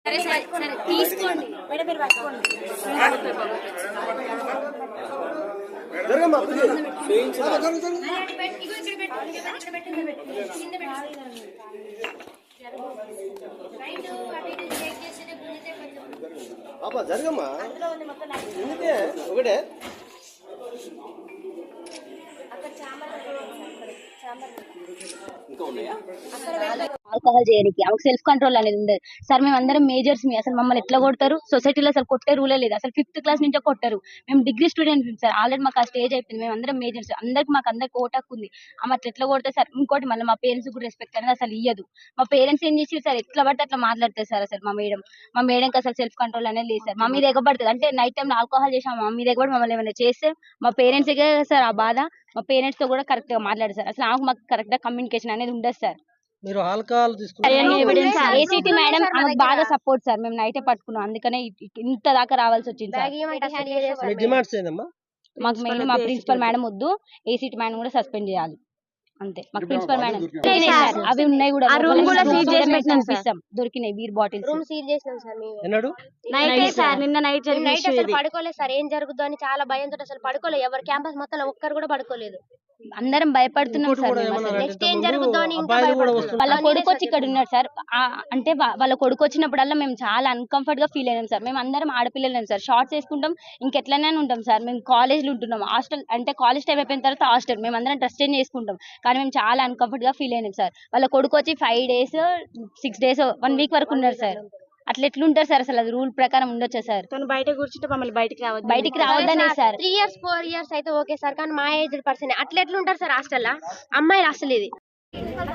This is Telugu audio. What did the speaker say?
సరే సరే సరే తీసుకోండి మేడం మీరు పట్టుకోండి జరగమ్మా ఒకటే ఆల్కహాల్ చేయడానికి ఆమెకు సెల్ఫ్ కంట్రోల్ అనేది ఉండదు సార్. మేము అందరం మేజర్స్ మీ అసలు మమ్మల్ని ఎట్లా కొడతారు? సొసైటీలో అసలు కొట్టే రూలే లేదు. అసలు 5th క్లాస్ నుంచే కొట్టారు. మేము డిగ్రీ స్టూడెంట్స్ సార్. ఆల్రెడీ మాకు ఆ స్టేజ్ అయిపోయింది. మేము అందరం మేజర్స్ మాకు అందరికి ఓటు హక్కు ఉంది. ఆమె అట్లా ఎట్లా కొడతారు సార్? ఇంకోటి మళ్ళీ మా పేరెంట్స్ కూడా రెస్పెక్ట్ అనేది అసలు ఇయ్యదు. మా పేరెంట్స్ ఏం చేసి సార్ ఎట్లా పడితే అట్లా మాట్లాడతారు సార్. అసలు మా మేడంకి అసలు సెల్ఫ్ కంట్రోల్ అనేది లేదు సార్. మా మీద ఎగబడుతుంది అంటే నైట్ టైం ఆల్కహాల్ చేసాం మా మీద ఎగబడి మమ్మల్ని ఏమైనా చేస్తే మా పేరెంట్స్ సార్ ఆ బాధ. మా పేరెంట్స్ తో కూడా కరెక్ట్ గా మాట్లాడారు సార్. అసలు మాకు కరెక్ట్ గా కమ్యూనికేషన్ అనేది ఉండదు సార్. మీరు ఆల్కహాల్ ఏసీటీ మేడం ఆమెకు బాగా సపోర్ట్ సార్. మేము నైటే పట్టుకున్నాం, అందుకనే ఇంత దాకా రావాల్సి వచ్చింది సార్. డిమాండ్స్ ఏందమ్మా? మాకు మెయిన్ మా ప్రిన్సిపల్ మేడం వద్దు, ఏసీటీ మేడం కూడా సస్పెండ్ చేయాలి అంతే. మాకు ప్రిన్సిపల్ మేడం అవి ఉన్నాయి కూడా దొరికినాయి బీర్ బాటిల్స్ రూమ్ సీల్ చేసినాం సార్ మేము. ఎన్నడు నైట్ సార్, నిన్న నైట్ నైట్ అసలు పడుకోలేదు సార్. ఏం జరుగుతుందో అని చాలా భయంతో అసలు పడుకోలేదు. ఎవరు క్యాంపస్ మొత్తం ఒక్కరు కూడా పడుకోలేదు. అందరం భయపడుతున్నాం సార్. నెక్స్ట్ ఏం జరుగుతుందో అని ఇంకా వాళ్ళ కొడుకు వచ్చి ఇక్కడ ఉన్నాడు సార్. అంటే వాళ్ళ కొడుకు వచ్చినప్పుడల్లా మేము చాలా అన్కంఫర్ట్ గా ఫీల్ అయినాం సార్. మేము అందరం ఆడపిల్లలేం సార్. షార్ట్స్ వేసుకుంటాం, ఇంకెట్లనే ఉంటాం సార్. మేము కాలేజ్ లో ఉంటున్నాం, హాస్టల్ అంటే కాలేజ్ టైం అయిపోయిన తర్వాత హాస్టల్. మేము అందరం డ్రెస్ చేంజ్ చేసుకుంటాం, కానీ మేము చాలా అన్కంఫర్ట్ గా ఫీల్ అయినాం సార్. వాళ్ళ కొడుకు వచ్చి 5 days 6 days 1 week వరకు ఉన్నారు సార్. అట్లా ఎట్లుంటారు సార్? అసలు అది రూల్ ప్రకారం ఉండొచ్చా సార్? బయట కూర్చుంటే మమ్మల్ని బయటికి రావద్దనే సార్. 3 years 4 years అయితే ఓకే సార్, కానీ మా ఏజ్ పర్సన్ అట్లా ఎట్లుంటారు సార్ హాస్టల్? అమ్మాయిలు అసలు ఇది